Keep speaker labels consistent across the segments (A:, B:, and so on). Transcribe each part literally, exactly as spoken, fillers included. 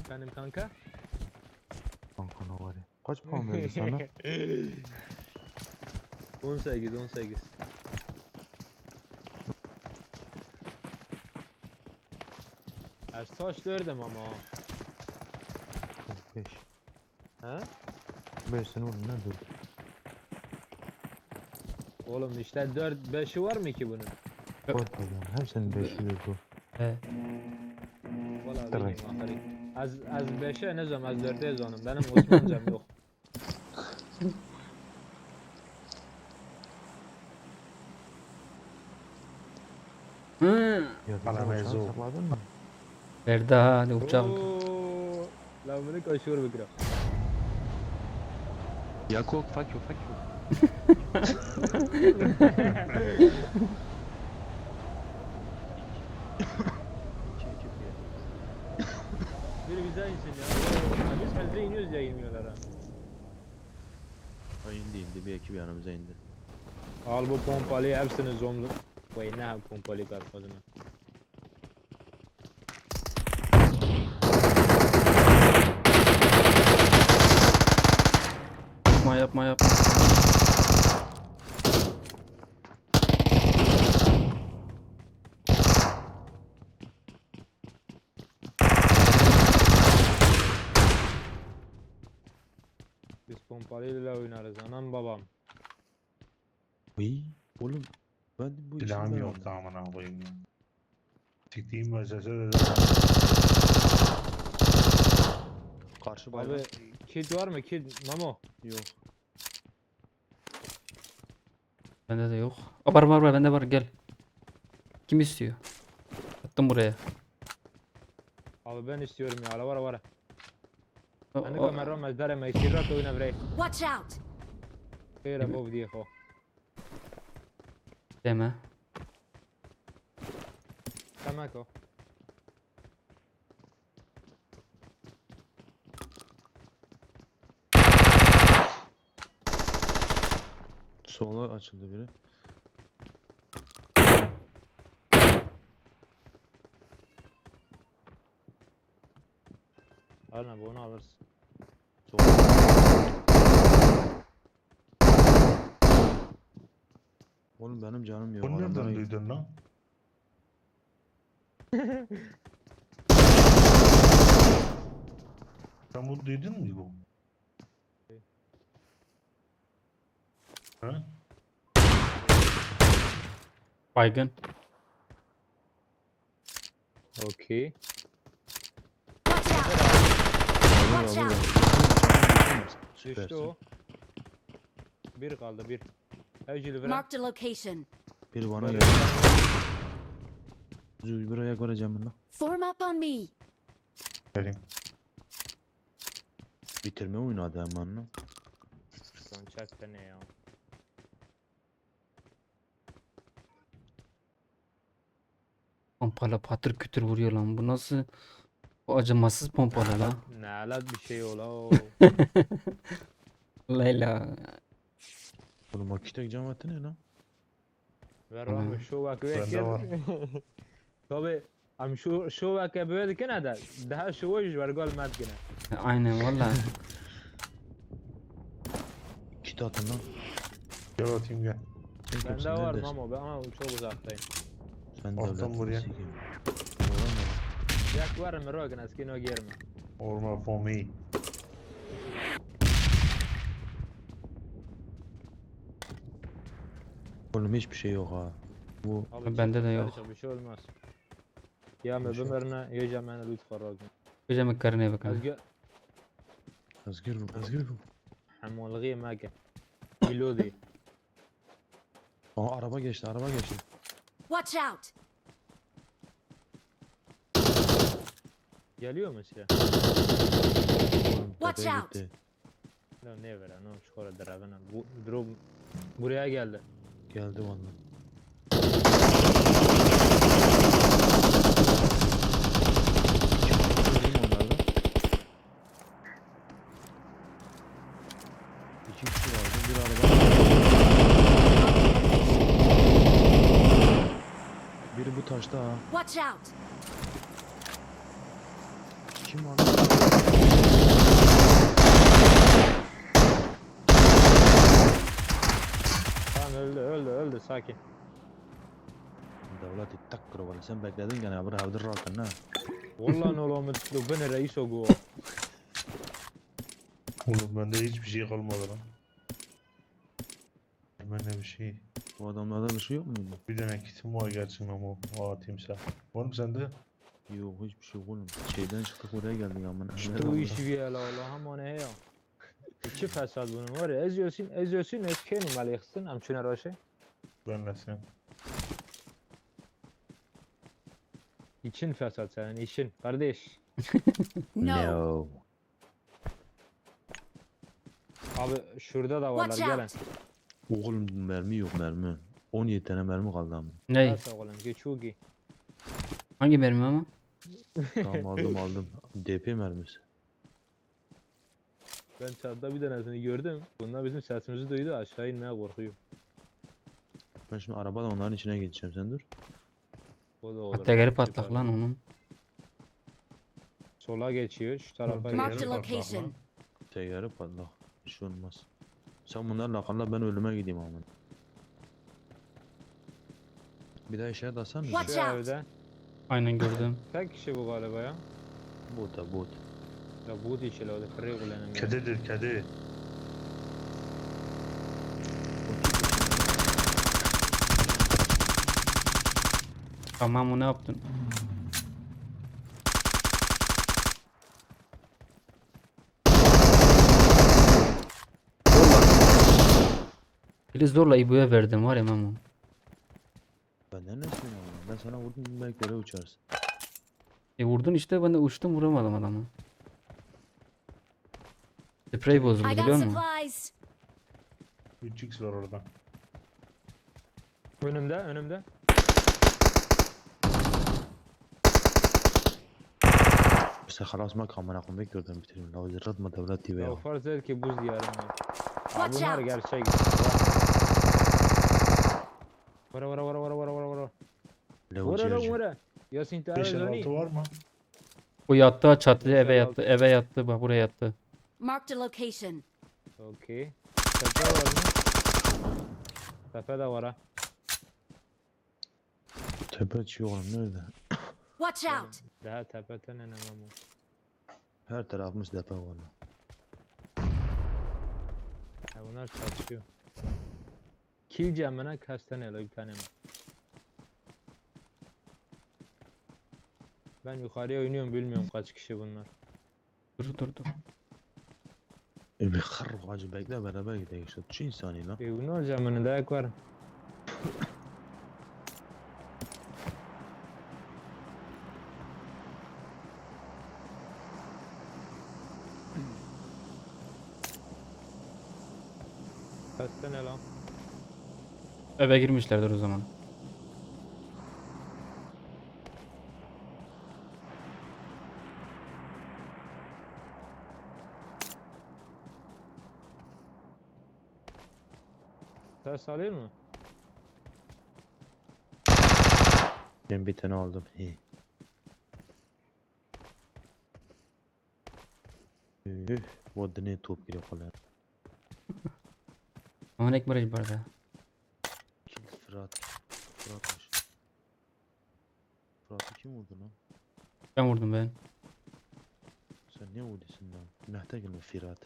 A: Efendim kanka?
B: Kanka ne var ya? Kaç puan verdi sana?
A: on sekiz on sekiz. Ersaç verdim ama.
B: beş.
A: He?
B: beş sene oğlum ne dur?
A: Oğlum işte dört beşi var mı ki bunun?
B: Var pardon. Hepsinin beşi verdi.
C: He.
A: Valla
B: Tabii.
A: bilmiyorum ahari. Az az beşe ne zaman az dörde yazanım. Benim Osmancam yok.
C: Hı.
B: Ya
D: Bana
B: uçağı
D: mevzu.
B: sakladın mı?
C: Verdi ha hadi uçak.
A: Oo, lan bunu kaçıyor bir kere.
B: Yakok fuck you fuck you.
A: Bir bize insin ya. Oo, Biz metre iniyoruz ya inmiyorlar ha.
B: O indi indi bir ekip yanımıza indi.
A: Al bu pompalıyı hepsini zomlu. Vay ne ha pompalı karpazına.
C: Yapma yapma yapma.
A: Biz pompalıyla oynarız anam babam.
B: Uy oğlum ben de bu
D: Silahım
B: işimden
D: yoktu
B: aldım.
D: amına koyayım ya. Siktiğim mesele de
B: Karşı bayrak
A: Abi kid var mı kid Mamo?
B: yok.
C: Bende de yok. Aa, var var var bende var gel. Kim istiyor? Attım buraya.
A: Abi ben istiyorum ya ala var var.
C: O-
A: Hani
C: o-
A: kamera mezdare me kirra to ina vrey.
E: Watch out!
A: Kira bu viejo.
C: Deme.
A: Tamako.
B: Sola açıldı biri.
A: Alma bunu alırsın.
B: Sola. Oğlum benim canım yok.
D: Bunu
B: adamlara
D: nereden
B: git.
D: duydun lan? Sen bunu duydun mu bu? Ha?
C: Baygın.
A: Okey.
E: Watch out!
B: Burada,
E: Watch
B: burada.
E: out!
A: Düştü
B: Süpersin.
A: o. Bir kaldı bir. Evcili veren.
E: Marked a location.
B: Biri bana
A: Böyle
B: geldi. Zül buraya göreceğim bunu.
E: Form up on me.
D: Vereyim.
B: Bitirme oynadı hemen lan.
A: Son çak ne ya.
C: Pompala patır kütür vuruyor lan. Bu nasıl? Bu acımasız pompalı lan.
A: Ne alat bir şey ola o.
C: Leyla.
B: Oğlum o kitek cemaati ne lan?
A: Ver
C: Hı.
A: abi şu bak
D: Bende var.
A: Tabi am şu şu bak böyle kene de daha şu var var gol mat kene.
C: Aynen valla.
B: Kit atın lan.
D: Gel atayım gel.
B: Sen
A: Bende
B: kimsin,
A: var
B: neredesin?
A: Mamo ben ama çok uzaktayım.
B: Sen
D: Attım
B: devletin
D: buraya.
B: sikeyim. Oğlum
A: Yak var mı rogan askino girme.
D: Orma for me.
B: Oğlum hiçbir şey yok ha. Bu
A: Abi
C: Bende de
A: çık,
C: yok.
A: kardeşim, bir şey olmaz. Ya me bimirne yiyeceğim ben lütfen rogan.
C: Hocam karneye bakın.
A: Azgı
B: Özgür bu, Özgür bu.
A: hamolgi mage. Bilodi.
B: Aa araba geçti, araba geçti.
E: Watch out!
A: Geliyor mu size?
B: Oğlum
E: Watch
B: tepeye
E: out.
B: gitti.
A: No ne ver no şurada dravena. Bu drop buraya geldi.
B: Geldi vallahi. Öldüm onlardan. İki kişi vardı, bir araba. Biri bu taşta ha.
E: Watch out!
B: Kim var lan?
A: dur sakin.
B: Devleti takkır valla sen bekledin gene bir havdır rakın ha.
A: Vallahi ne olamet lo ben reis o go.
D: Oğlum bende hiçbir şey kalmadı lan. Bende bir şey.
B: Bu adamlarda bir şey yok muydu?
D: Bir tane kitim var gerçekten ama o atayım sen. Var mı sende?
B: Yok hiçbir şey yok oğlum. Şeyden çıktık oraya geldik amına.
A: Bu iş bir la la hamane he ya. İki fesat bunun var ya eziyorsun eziyorsun eskeni maliksin amçuna raşe.
D: Benle sen.
A: İçin fesat senin işin kardeş.
E: No.
A: Abi şurada da varlar
E: Watch
A: gelin.
E: out.
B: Oğlum mermi yok mermi. on yedi tane mermi kaldı ama.
C: Ney?
A: Nasıl oğlum geçugi.
C: Hangi mermi ama?
B: Tamam aldım aldım. D P mermisi.
A: Ben çatıda bir tanesini gördüm. Bunlar bizim sesimizi duydu aşağı inmeye korkuyor.
B: Ben şimdi arabada onların içine geçeceğim sen dur.
A: O da olur.
C: Tekeri
A: Süper.
C: patlak lan onun.
A: Sola geçiyor şu tarafa
D: Mark
E: Marked a
A: geçiyor.
D: Geri patlar
E: location.
D: lan.
B: Teyyarı patlak. Bir şey olmaz. Sen bunlarla kal ben ölüme gideyim amına. Bir daha işaret atsan mı?
E: Watch
A: Şu
E: out.
A: evde.
C: Aynen gördüm.
A: Tek kişi bu galiba ya.
B: Bot da bot.
A: Ya bu dişi la o da kırık ulanım.
D: Kedidir kedi.
C: Tamam o ne yaptın? Biri zorla İbo'ya verdim var ya Memo.
B: Benden ne istiyorsun amına? Ben sana vurdum belki öyle uçarsın.
C: E vurdun işte ben de uçtum vuramadım adamı. Sprey bozuldu
E: I got
C: biliyor musun?
E: supplies.
D: üç x var orada.
A: Önümde önümde.
B: İşte halas ma kamera koymak gördüm bitireyim. La zırrat mı devlet T V
A: Ya
B: ya.
A: farz et ki buz diyarım var. Ya
E: Watch
A: bunlar
E: out.
A: gerçek. Vara vara vara vara vara vara vara.
B: Le
A: Vara lan
B: uçuyor.
A: vara. Yasin
D: beş
A: Tarık
D: altı var mı?
C: Bu yattı çatıya eve
A: Güzel
C: yattı eve yattı bak buraya yattı.
E: Marked a location.
A: Okey. Tepe var mı? Tepe de var ha.
B: Tepe çıkıyor oğlum nerede?
E: Watch out.
A: Daha tepeten enemem o.
B: Her tarafımız tepe var lan.
A: Ya bunlar çatışıyor. Kill cemine kaç tane la bir tane mi? Ben yukarıya oynuyorum bilmiyorum kaç kişi bunlar.
C: Dur dur dur.
B: E bir kır hacı bekle beraber gidelim işte. Şu insani lan.
A: E bunlar cemine dayak var. Kaç tane lan?
C: Eve girmişlerdir o zaman.
A: Ses alıyor mu?
B: Ben bir tane aldım. He. Üh, bu ne top giriyor falan.
C: Ama ne baraj barda.
B: Kim Fırat? Fıratmış. Fırat'ı kim vurdu lan?
C: Ben vurdum ben.
B: Sen ne vurdusun lan? Nehte gelme Fırat.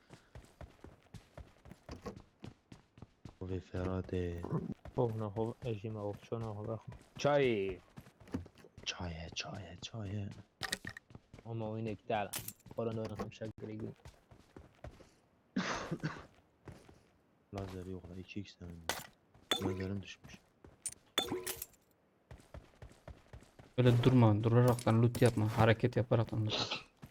B: Ve Fırat e.
A: Oh ne ho ejime oh şuna ho bak. Çay.
B: Çaya çaya çaya.
A: Ama oyunu iptal. Korona oynasam şakırı gibi.
B: Lazer yok lan iki x tane. Lazerim düşmüş.
C: Öyle durma duraraktan loot yapma hareket yaparaktan loot.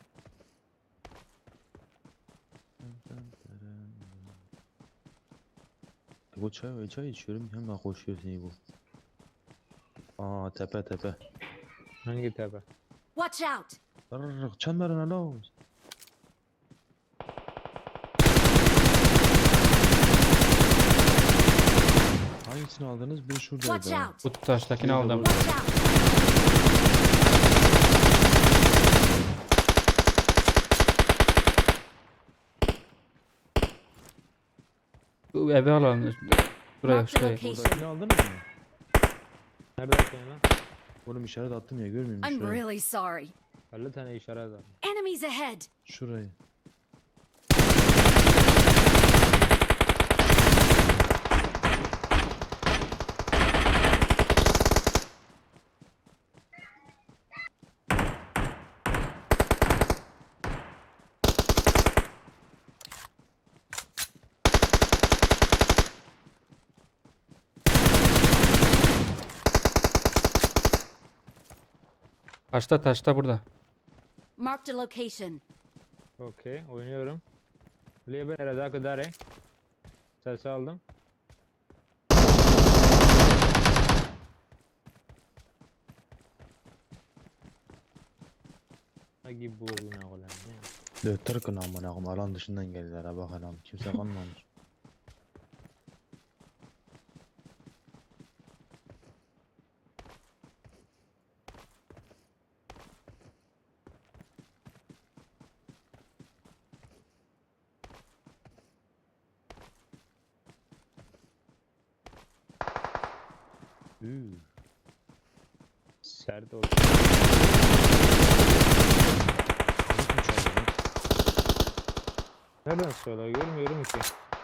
B: Bu çay çay içiyorum hemen koşuyorsun bu. Aa tepe tepe.
A: Hangi tepe?
E: Watch out.
B: Rrrr çemberine la. Hangisini aldınız? Bir
E: Watch
B: şuradaydı. ha.
E: out.
C: Bu taştakini aldım.
E: Watch out.
C: Bu eve alalım. Şuraya
E: Marked a
C: şuraya.
B: Oradakini
E: location.
B: aldınız mı?
A: Nerede bakıyorsun lan?
B: Oğlum işaret attım ya görmüyor musun?
E: I'm
B: Şurayı.
E: really sorry.
A: elli tane işaret var.
E: Enemies ahead.
B: Şurayı.
C: Taşta taşta burada.
E: Marked a location.
A: Okey, oynuyorum. Liebe nerede kadar? Ses aldım. Agi bu oyuna olan ne?
B: Döktür kına amına koyayım. Alan dışından geldiler ha bak adam. Kimse kalmamış. Üü.
A: Sert oldu.
B: Kim çaldı lan?
A: Nereden söyle? Görmüyorum ki.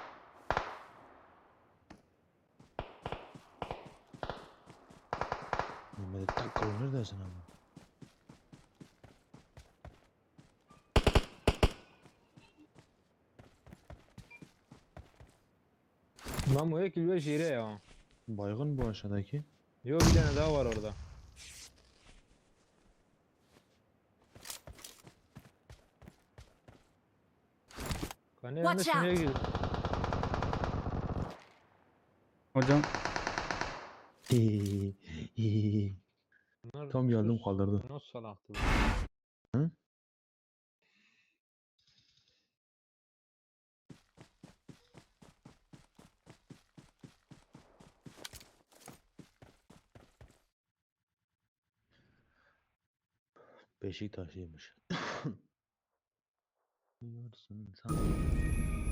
B: Mehmet Takkol neredesin ama?
A: Lan bu ekil ve şire ya.
B: Baygın bu aşağıdaki.
A: Yok bir tane daha var orada. Kanı yanında
E: Watch
A: şuraya
E: out.
A: gir.
C: Hocam
A: Bunlar
B: Tam geldim
A: sus.
B: kaldırdı.
A: Nasıl salaktı?
B: Hı? Beşiktaşlıymış. Diyorsun sen.